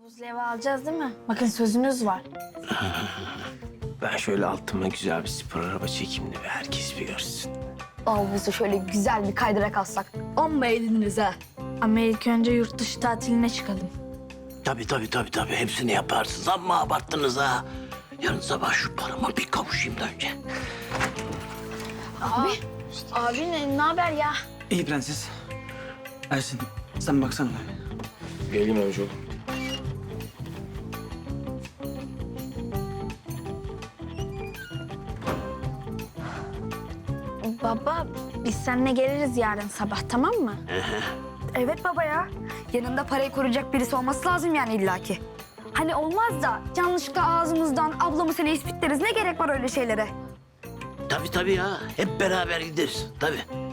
Buzlu eve alacağız değil mi? Bakın sözünüz var. Ben şöyle altıma güzel bir spor araba çekeyim de herkes bir görsün. Havuzu şöyle güzel bir kaydırak alsak. Amma eğleniriz ha. Ama ilk önce yurt dışı tatiline çıkalım. Tabii. Hepsini yaparsınız ama abarttınız ha. Yarın sabah şu parama bir kavuşayım da önce. Abi ne haber ya? İyi prenses. Ersin sen baksana. Geleyim amcaoğlu. Baba biz seninle geliriz yarın sabah tamam mı? Evet baba ya. Yanında parayı koruyacak birisi olması lazım yani illaki. Hani olmaz da yanlışlıkla ağzımızdan ablamı seni ispitleriz. Ne gerek var öyle şeylere? Tabii ya. Hep beraber gideriz. Tabii.